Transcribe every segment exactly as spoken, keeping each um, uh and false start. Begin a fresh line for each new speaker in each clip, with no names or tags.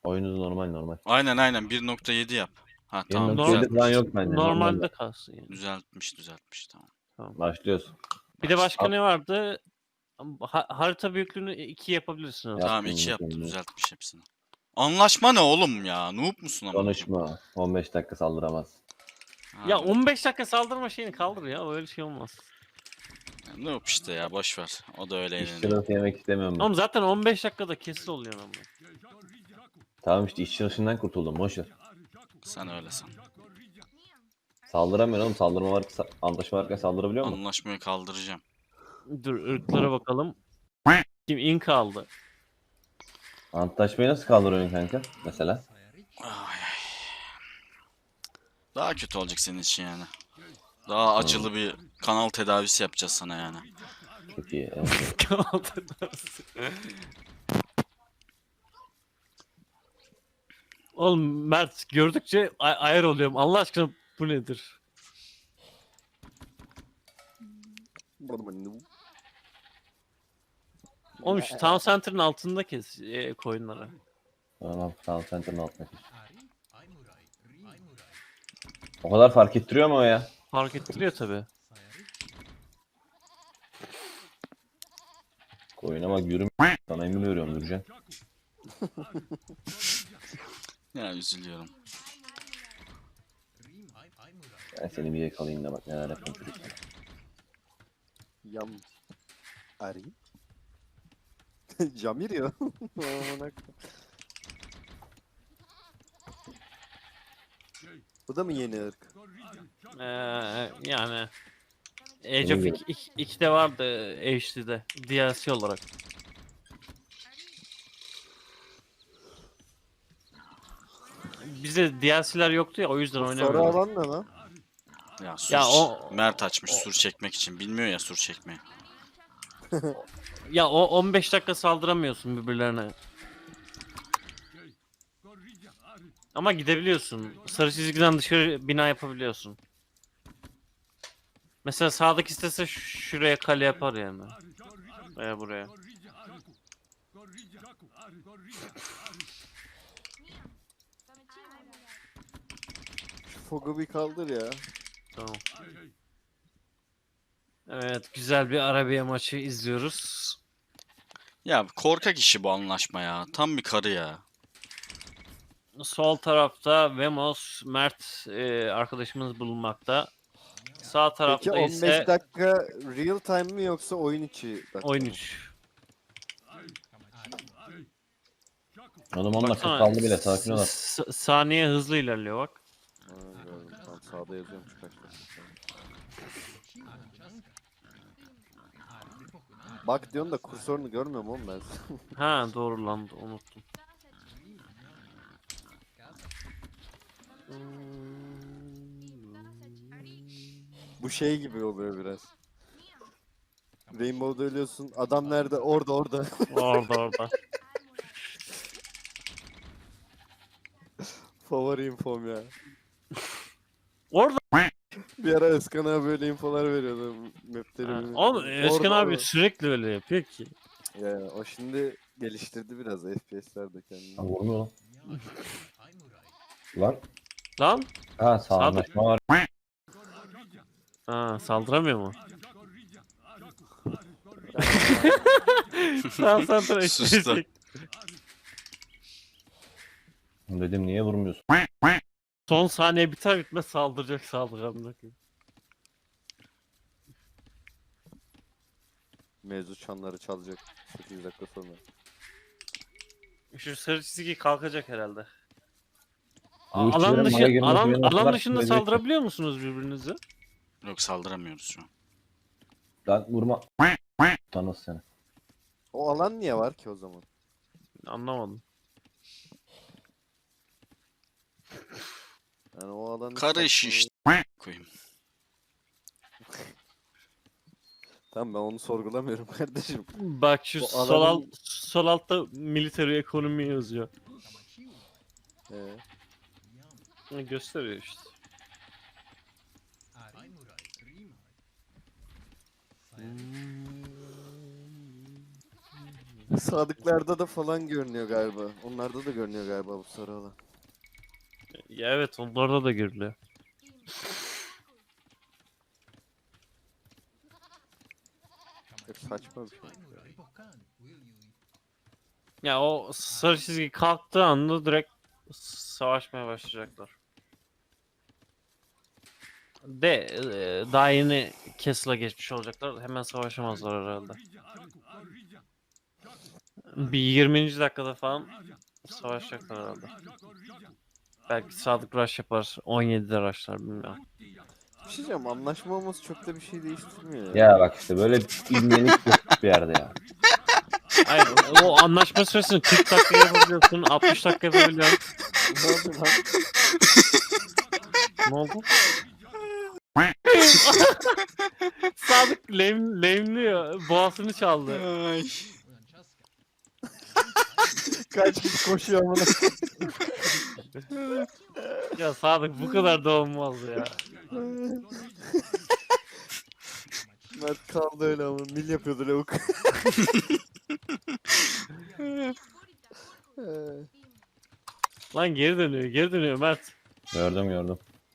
Oyunuz normal normal.
Aynen aynen bir nokta yedi yap. Ha tamam.
bir nokta yedi falan
düzeltmiş.
yok bence.
Normalde
Normalde.
kalsın yani.
Düzeltmiş düzeltmiş tamam.
Başlıyoruz.
Bir de başka
Al.
ne vardı? Ha- harita büyüklüğünü iki yapabilirsiniz.
Yap.
Tamam
Yaptım,
iki yaptı
yaptım.
düzeltmiş hepsini. Anlaşma ne oğlum ya? Noob musun ama?
Konuşma. on beş dakika saldıramaz.
Ya on beş dakika saldırma şeyini kaldır ya, öyle şey olmaz.
Noob işte ya boş ver. O da öyle
İşçi
eğleniyor.
nasıl yemek istemiyorum ben.
Oğlum zaten on beş dakikada kesil oluyor ama.
Tamam işte işçi sınıfından kurtuldum. Boş ver.
Sen öyle san.
Saldıramıyorum oğlum. Saldırma var. Antlaşma varken saldırabiliyor mu?
Anlaşmayı kaldıracağım.
Dur ırklara bakalım. Kim in kaldı?
Antlaşmayı nasıl kaldırıyorsun kanka? Mesela.
Ay, ay. Daha kötü olacak senin için yani. Daha acılı bir kanal tedavisi yapacağız sana yani.
Çok iyi. Evet.
Oğlum Mert gördükçe ay- ayar oluyorum. Allah aşkına bu nedir? Oğlum şu Town Center'ın altında kes e, koyunları.
Tamam. Tamam. Center'ın altına geç. O kadar fark ettiriyor mu o ya?
Fark ettiriyor tabi.
Koyuna bak yürüm. Sana emin veriyorum Nurcan.
Ya üzülüyorum.
Ben seni bir yakalayayım da bak neler yapayım çocuk.
Yam. Ari. Jamir ya. Aman ak- Bu da mı yeni ırk?
Ee, yani Age of iki'de vardı H D'de D L C olarak. Bizde D L C'ler yoktu ya, o yüzden
Bu sarı
oynamıyordum.
alan ne lan?
Ya sur
Ya o-
Mert açmış sur çekmek için. Bilmiyor ya sur çekmeyi.
Ya o on beş dakika saldıramıyorsun birbirlerine. Ama gidebiliyorsun. Sarı çizgiden dışarı bina yapabiliyorsun. Mesela sağdaki istese ş- şuraya kale yapar yani. Veya buraya.
Şu fogu bir kaldır ya.
Tamam. Evet, güzel bir Arabiya maçı izliyoruz.
Ya korkak işi bu anlaşma ya. Tam bir karı ya.
Sol tarafta Vemos, Mert e, arkadaşımız bulunmakta. Sağ
Peki
tarafta
on beş
ise
dakika real time mi yoksa oyun içi dakika
oyun
mı?
üç.
Oğlum on dakika
Baksana,
kaldı bile sakin ol.
s- saniye hızlı ilerliyor bak.
Ha, gördüm. Tamam sağda yazıyorum şu kaç dakika. Bak diyorsun da kursorunu görmüyorum oğlum ben.
Ha doğru lan, unuttum.
Bu şey gibi oluyor biraz. Rainbow'da ölüyorsun. Adam nerede? Orada orada.
Orada orada.
Favori infom ya.
Orada.
Bir ara Özkan abi böyle infolar veriyordu.
Ha,
Map'leri.
Oğlum Özkan
Orada,
abi
orada.
sürekli öyle yapıyor ki.
Ya, o şimdi geliştirdi biraz F P S'lerde kendini.
Ha, vurmuyor lan. Lan.
Lan.
Ha sağ
Sağda-
anlaşma var.
Ha, saldıramıyor mu? Sağ santra
Sustu.
eşleşecek.
Dedim niye vurmuyorsun?
Son saniye biter bitmez saldıracak saldırgan.
Mevzu çanları çalacak sekiz dakika sonra.
Şu sarı çizgi kalkacak herhalde.
Bu
A-
işçilerin
alan dışı
bana girmesi
alan
beni o
alan
kadar
dışında
sinirlenecek ki.
saldırabiliyor musunuz birbirinize?
Yok saldıramıyoruz şu an.
Lan vurma. Tanız seni.
O alan niye var ki o zaman?
Anlamadım.
Yani o alan
Karı işi işte. Koyayım.
Tamam ben onu sorgulamıyorum kardeşim.
Bak şu
O
sol,
alanın-
alt, sol altta military ekonomi yazıyor.
Ee,
Ne gösteriyor işte.
Sadıklarda da falan görünüyor galiba. Onlarda da görünüyor galiba bu sarı alan.
Ya evet, onlarda da görülüyor.
Çok saçma bir şey.
Ya o sarı çizgi kalktığı anda direkt savaşmaya başlayacaklar. De e, daha yeni Castle'a geçmiş olacaklar. Hemen savaşamazlar herhalde. Bir yirminci dakikada falan savaşacaklar herhalde. Belki Sadık Rush yapar. on yedide rushlar, bilmiyorum.
Bir şey diyeceğim, anlaşma olması çok da bir şey değiştirmiyor ya.
Ya bak işte böyle ilmenik bir yerde ya.
Hayır, o anlaşma süresini kırk dakika yapabiliyorsun, altmış dakika yapabiliyorsun.
Ne oldu lan?
Ne oldu? Sadık lame, lame'liyor. Boğazını çaldı.
Ay.
Kaç kişi koşuyor amına.
Ya Sadık bu kadar da olmaz ya.
Mert kaldı öyle ama mil yapıyordu lavuk.
Lan geri dönüyor, geri dönüyor Mert.
Gördüm gördüm.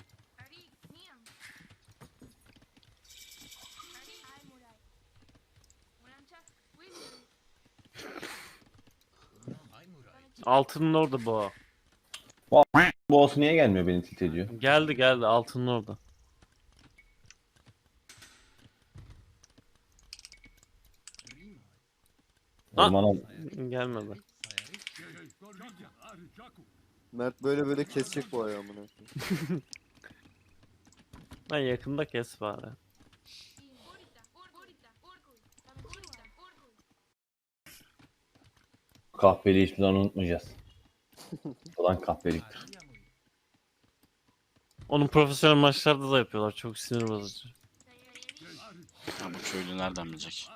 Altının orada boğa.
Boss niye gelmiyor, beni tilt ediyor.
Geldi geldi, altının orada. Ha.
Ormana
Gelmedi.
Mert böyle böyle kesecek bu ayağı amına.
Lan yakında kes bari.
kahveliği hiçbir zaman unutmayacağız. Ulan kahveliktir.
Onu profesyonel maçlarda da yapıyorlar. Çok sinir bozucu.
Ya bu köylü nereden bilecek?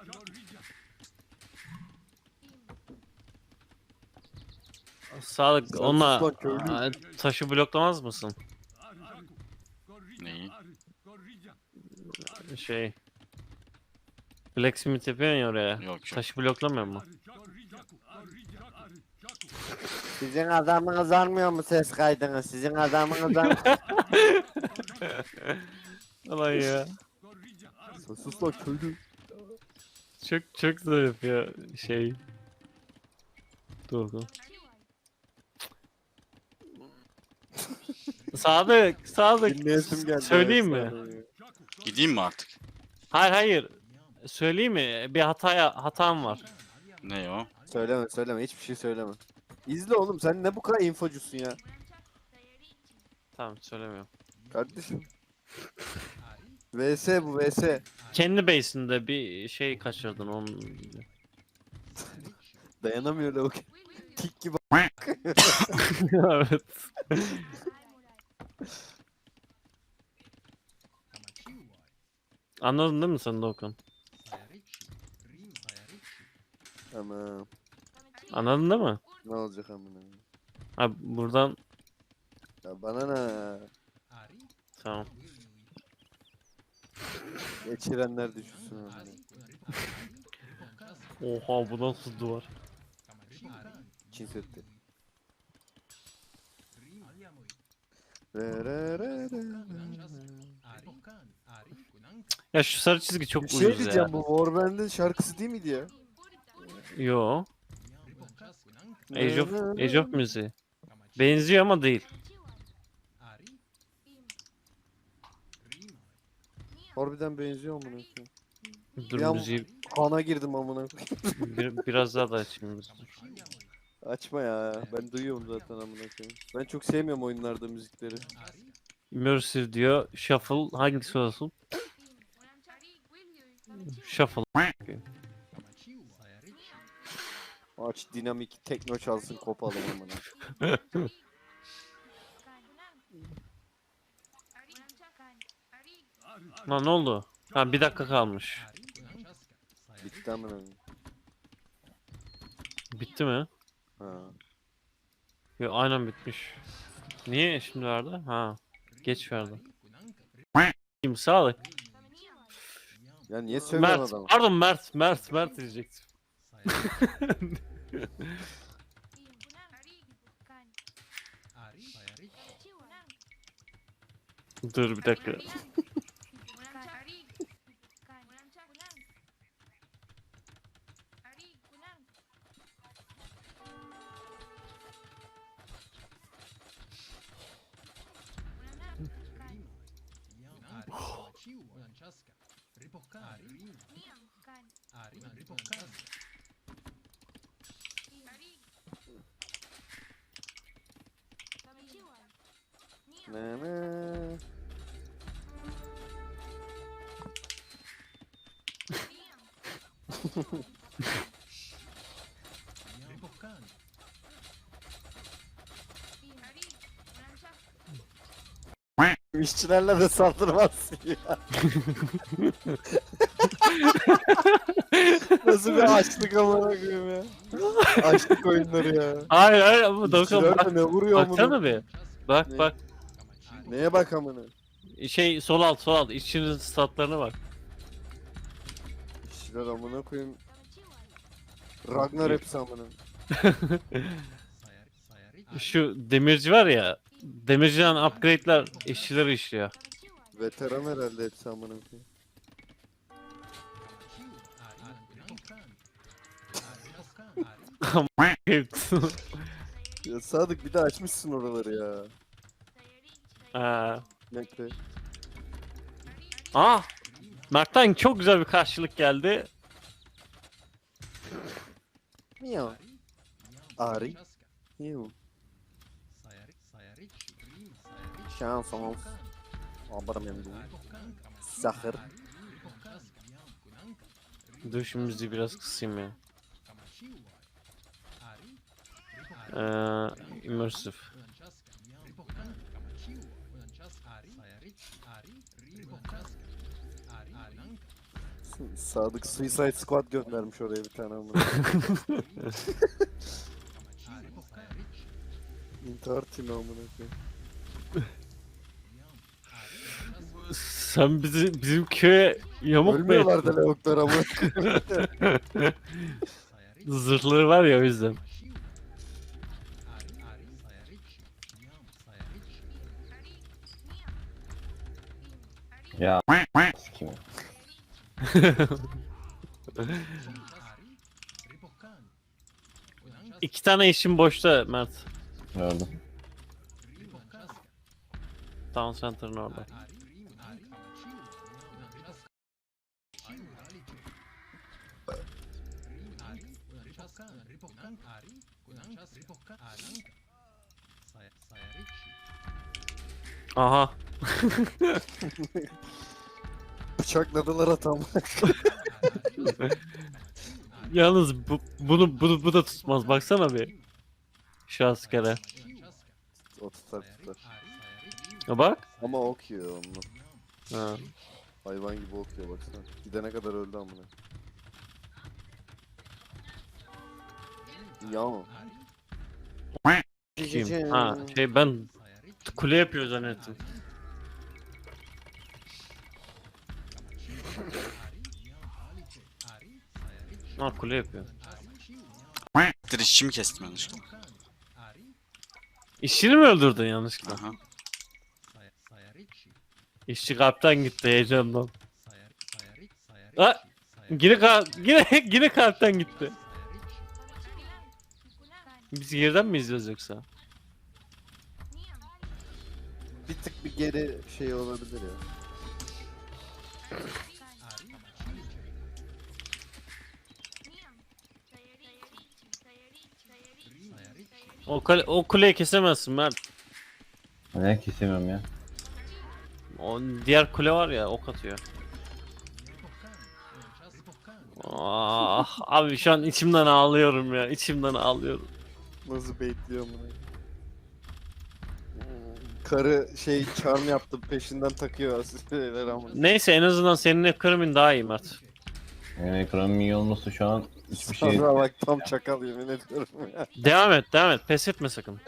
Sağlık,
Sen
ona
sus lan köylü.
Aa, taşı bloklamaz mısın?
Neyi?
Şey. Blacksmith yapıyorsun ya oraya.
Yok yok.
Taşı bloklamıyor mu?
Sizin adamınız almıyor mu ses kaydını? Sizin adamınız almıyor.
Ulan ya.
Sus lan köylü.
Çok çok güzel yapıyor şey. Doğru. Sadık, Sadık.
Dinleyesim geldi.
Söyleyeyim
ya,
mi?
sana ya.
Gideyim mi artık?
Hayır hayır. Söyleyeyim mi? Bir hataya hatam var.
Ne o?
Söyleme söyleme, hiçbir şey söyleme. İzle oğlum, sen ne bu kadar infocusun ya.
Tamam, söylemiyorum.
Kardeşim. V S bu V S.
Kendi base'inde bir şey kaçırdın onun.
Dayanamıyor lavuk. Tik gibi.
Evet. Anladın değil mi sen Doğukan?
Ama
Anladın değil mi?
ne olacak amına?
Ha buradan
Ya bana ne?
tamam.
Geçirenler düşünsün amına.
Oha, bu nasıl duvar?
Çin setti. Re re re re.
Ya şu sarı çizgi çok
Bir şey
uyuz
diyeceğim,
ya.
bu Warband'in şarkısı değil miydi ya?
Yo. Age of, Age of müziği. Benziyor ama değil.
Harbiden benziyor amına koyayım.
Dur
Ya-
müziği
Kana girdim amına koyayım.
bir, biraz daha da açayım. Dur.
Açma ya. Ben duyuyorum zaten amına koyayım. Ben çok sevmiyorum oyunlarda müzikleri.
Immersive diyor. Shuffle hangisi olsun? Shuffle.
Aç dinamik tekno çalsın, kopalım amına.
Lan ne oldu? Ha, bir dakika kalmış.
Bitti amına koyayım.
Bitti mi?
Ha.
Yo, aynen bitmiş. Niye şimdi verdi? Ha. Geç verdi. Kim sağlık?
Ya niye söylüyorsun
Mert.
adamı?
Pardon Mert. Mert. Mert diyecektim. Dur bir dakika.
Ne ne? İşçilerle de saldırmazsın ya. Nasıl bir açlık amına koyayım ya. Açlık oyunları ya.
Hayır hayır ama Doğukan
İşçiler
bak.
de ne vuruyor amına.
Baksana bir. Bak
Ne?
bak.
Neye bak amına?
Şey sol alt sol alt. İşçinin statlarına bak.
İşçiler amına koyayım. Ragnar hepsi amına.
Şu demirci var ya. Demirciden upgrade'ler işçileri işliyor.
Veteran herhalde hepsi amına koyayım. Ya Sadık bir de açmışsın oraları ya.
Ha.
Bekle.
Ah! Mert'ten çok güzel bir karşılık geldi.
Miyav. Ari. Miyav. Şansımız. Abarım hem de. Zahır.
Dur şimdi müziği biraz kısayım ya. Ee, immersive.
Sadık Suicide Squad göndermiş oraya bir tane amına. İntihar timi amına koyayım.
Sen bizi, bizim köye yamuk mu
Ölmüyorlar
ettin?
da lavuklar amına.
Zırhları var ya o yüzden.
Ya sikeyim.
İki tane işim boşta Mert.
Gördüm.
Town Center'ın orada. Aha.
Bıçakladılar atam.
Yalnız bu, bunu, bunu bu da tutmaz. Baksana bir. Şu askere.
O tutar tutar.
Ya bak.
Ama ok yiyor onunla.
Ha.
Hayvan gibi okuyor baksana. Gidene kadar öldü amına. Ya.
Kim? Ha şey ben kule yapıyor zannettim. Ha kule yapıyor.
Dur işçi mi kestim yanlışlıkla?
İşçini mi öldürdün yanlışlıkla?
Aha.
İşçi kalpten gitti heyecandan. Ha, yine, ka yine, yine kalpten gitti. Biz geriden mi izliyoruz yoksa?
Bir tık bir geri şey olabilir ya.
O, kale o kuleyi kesemezsin Mert.
Ne kesemiyorum ya.
O diğer kule var ya ok atıyor. Ah, abi şu an içimden ağlıyorum ya. İçimden ağlıyorum.
Nasıl baitliyor amına. Karı şey charm yaptı peşinden takıyor asistler amına.
Neyse en azından senin ekonomin daha iyi Mert.
Benim ekranım iyi olmasa şu an hiçbir şey...
Sonra bak tam çakal yemin ediyorum ya.
Devam et devam et pes etme sakın.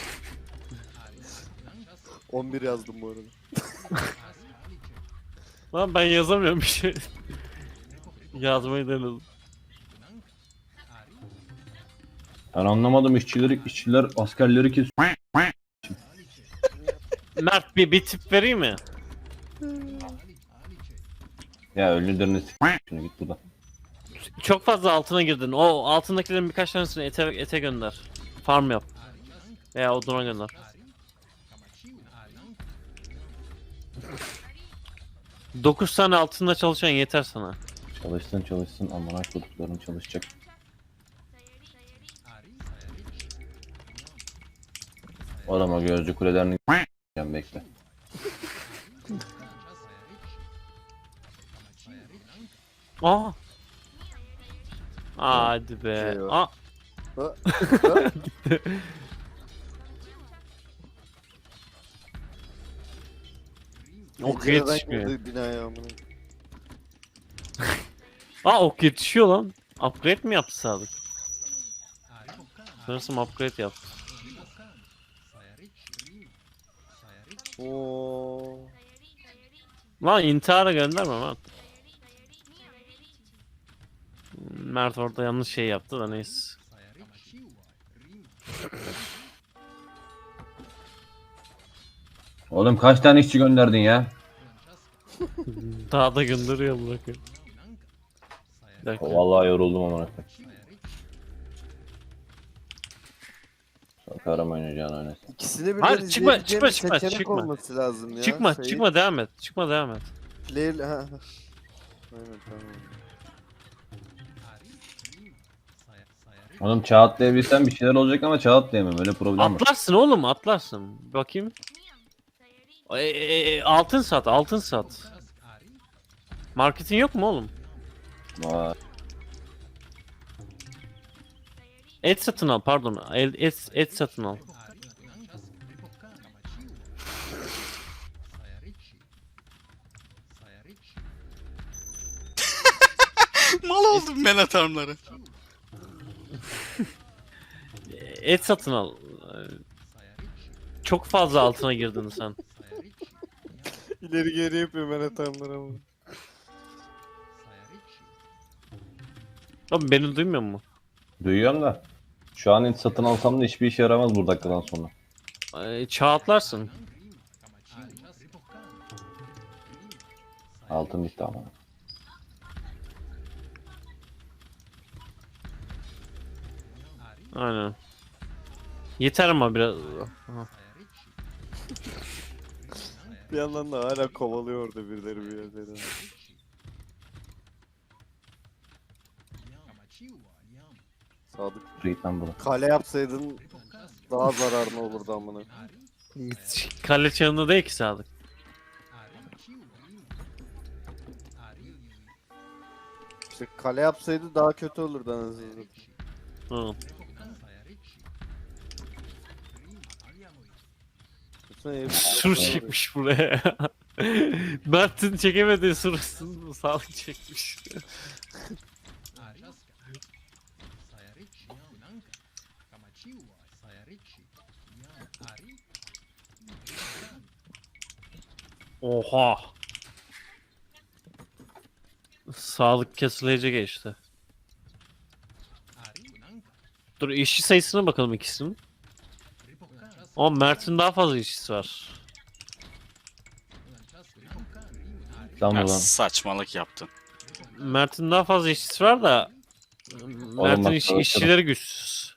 on bir yazdım bu arada.
Lan ben yazamıyorum bir şey. Yazmayı denedim.
Ben anlamadım, işçileri, işçiler askerleri kes.
Mert bir, bir tip vereyim mi?
Ya ölülerini s***. Şimdi git buradan.
Çok fazla altına girdin. O altındakilerin birkaç tanesini ete, ete gönder. Farm yap. Veya oduna gönder. Dokuz tane altında çalışan yeter sana.
Çalışsın çalışsın, amına kodukların çalışacak. Adama gözcü kulelerini s***eceğim, bekle.
Aa. Hadi be.
Şey var.
Aa.
Ha? Ha?
Ok
Pencereden
yetişmiyor.
girdi binaya amına.
Aa ok yetişiyor lan. Upgrade mi yaptı Sadık? Sanırsam upgrade yaptı.
Oo.
Lan intihara gönderme Mert. Mert orada yanlış şey yaptı da neyse.
Oğlum kaç tane işçi gönderdin ya?
Daha da gönderiyor bırakın. Bir dakika.
Vallahi yoruldum amına koyayım. Sokarım oynayacağını oynasın.
İkisini birden
Hayır, çıkma,
izleyebileceğim
çıkma,
bir
çıkma,
seçenek
çıkma.
olması lazım ya.
Çıkma,
Sayı-
çıkma devam et. Çıkma devam et.
Player... Ha. Aynen tamam.
Oğlum çağ atlayabilsem bir şeyler olacak ama çağ atlayamam, öyle problem var.
Atlarsın oğlum, atlarsın. Bakayım. E, e, e, altın sat, altın sat. Marketin yok mu oğlum?
Vay.
Et satın al, pardon. El, et, et satın al.
Mal oldum ben atarmları.
Et satın al. Çok fazla altına girdin sen.
İleri geri yapıyor ben hatamları ama.
Oğlum beni duymuyor mu?
Duyuyorum da. Şu an hiç satın alsam da hiçbir işe yaramaz bu dakikadan sonra.
E, çağ atlarsın.
Altın bitti ama.
Aynen. Yeter ama biraz. Aha.
Bir yandan da hala kovalıyor orada birileri bir yerleri. Sadık.
Dur git lan buradan.
Kale yapsaydın daha zararlı olurdu amına.
Kale çağında değil ki Sadık.
İşte kale yapsaydı daha kötü olurdu anasını.
Hı. Sur çekmiş buraya. Mert'in çekemediği surasını Sadık çekmiş. Oha. Sağlık kesileyici geçti. Dur işçi sayısına bakalım ikisinin. Ama Mert'in daha fazla işçisi var.
Lan
Ya
buradan.
saçmalık yaptın.
Mert'in daha fazla işçisi var da Mert'in
bak,
iş,
çalışırım.
işçileri güçsüz.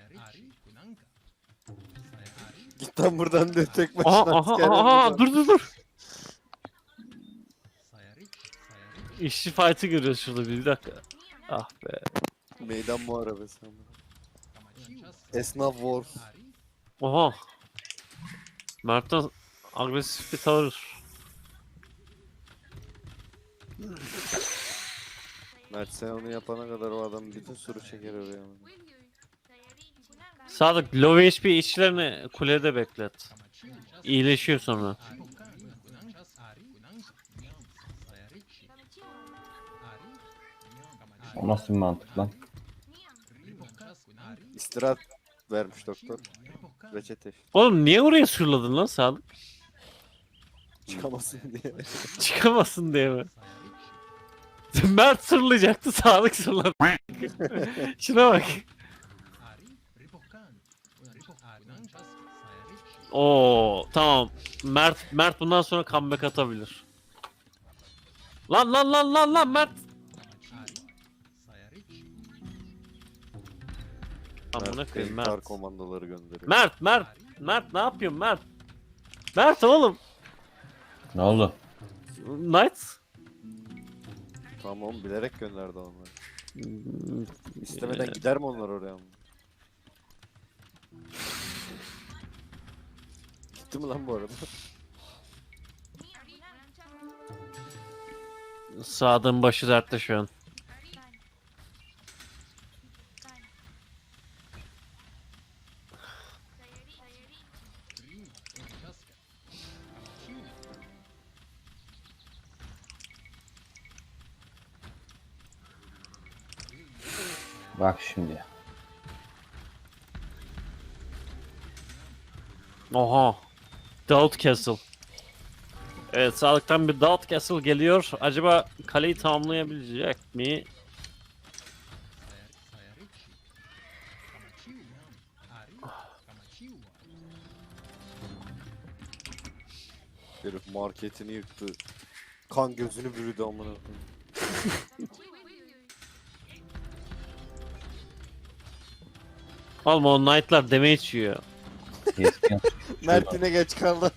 Git lan buradan diyor tek başına.
Aha aha
asker
aha
yapıyor.
dur dur dur. İşçi fight'ı görüyoruz şurada bir dakika. Ah be.
Meydan muharebesi ama. Esnaf Wars.
Oha. Mert'ten agresif bir tavır.
Mert sen onu yapana kadar o adam bütün sürü çeker oraya. ama.
Sadık low H P işçilerini kulede beklet. İyileşiyor sonra.
O nasıl bir mantık lan?
İstirahat vermiş doktor. Reçete.
Oğlum niye oraya sürladın lan Sadık?
Çıkamasın diye.
Çıkamasın diye mi? Mert sırlayacaktı, Sadık sırladı. Şuna bak. Oo tamam. Mert Mert bundan sonra comeback atabilir. Lan lan lan lan lan Mert. Amına koyayım
Kar
Mert.
komandoları gönderiyor.
Mert Mert Mert ne yapıyorsun Mert? Mert oğlum.
Ne oldu?
Knights.
Tamam oğlum, bilerek gönderdi onları. İstemeden gider mi onlar oraya? Gitti mi lan bu arada?
Sadık'ın başı dertte şu an.
Bak şimdi.
Oha. Doubt Castle. Evet, Sadık'tan bir Doubt Castle geliyor. Acaba kaleyi tamamlayabilecek mi?
Herif marketini yıktı. Kan gözünü bürüdü amına koyayım.
Oğlum o Knight'lar damage yiyor.
Keskin.
Mert yine geç kaldı.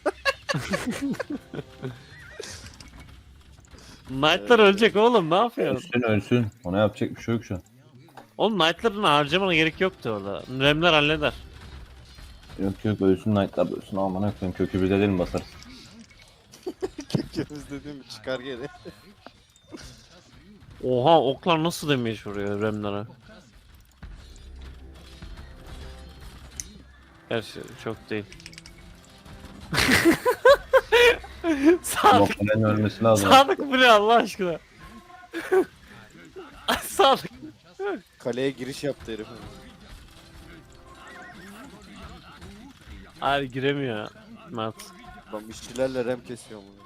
Knight'lar ölecek oğlum, ne yapıyorsun?
Ölsün ölsün. Ona yapacak bir şey yok şu an.
Oğlum Knight'ların harcamana gerek yoktu orada. Remler halleder.
Yok yok ölsün Knight'lar ölsün. Aman akıyım kökü bir dedim basarız.
Kökümüz dediğim çıkar geri.
Oha, oklar nasıl damage vuruyor Remlere? Gerçi çok değil. Sadık,
Noktanın ölmesi lazım.
Sadık bu ne Allah aşkına? Sadık.
Kaleye giriş yaptı herif.
Hayır giremiyor Mert.
Lan işçilerle rem kesiyor bunu.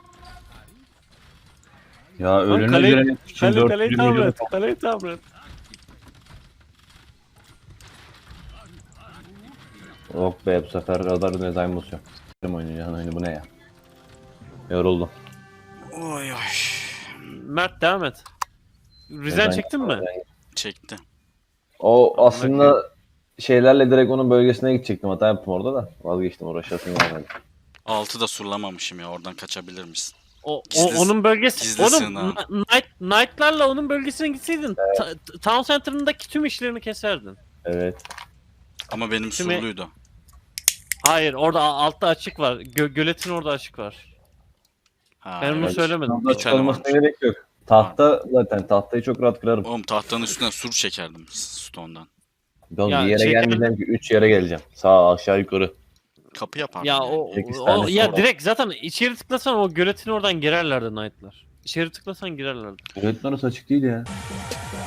Ya ölünü
kaleyi-
gören için
Kale,
dört
kaleyi
yüz
tamir
milyon.
et. Kaleyi tamir et.
Yok be bu sefer radar design basıyor. S**tim oynayacağın oyunu bu ne ya? Yoruldum.
Oy oy.
Mert devam et. Rizen
Design-
çektin mi?
Çekti.
O aslında şeylerle direkt onun bölgesine gidecektim. Hata yaptım orada da. Vazgeçtim uğraşasım gelmedi.
Altı da surlamamışım ya, oradan kaçabilir misin?
O, o
Gizli-
onun bölgesi.
gizli
Oğlum
sığınağım.
Kn- Knight, Knight'larla onun bölgesine gitseydin ta- t- Town Center'ındaki tüm işlerini keserdin.
Evet.
Ama benim
Şimdi-
surluydu.
Hayır, orada a- altta açık var. Gö- göletin orada açık var.
Ha,
Ben onu
evet.
söylemedim.
Tahta
tane
çıkarmasına
varmış.
gerek yok. Tahta zaten tahtayı çok rahat kırarım.
Oğlum tahtanın üstüne sur çekerdim stone'dan.
Oğlum
Ya
bir yere
şey-
gelmeyeceğim ki üç yere geleceğim. Sağ aşağı yukarı.
Kapı yapardım.
Ya
yani.
o,
sekiz
o
tane
ya
sonra.
direkt zaten içeri tıklasan o göletin oradan girerlerdi Knight'lar. İçeri tıklasan girerlerdi.
Öğretmen orası açık değil ya.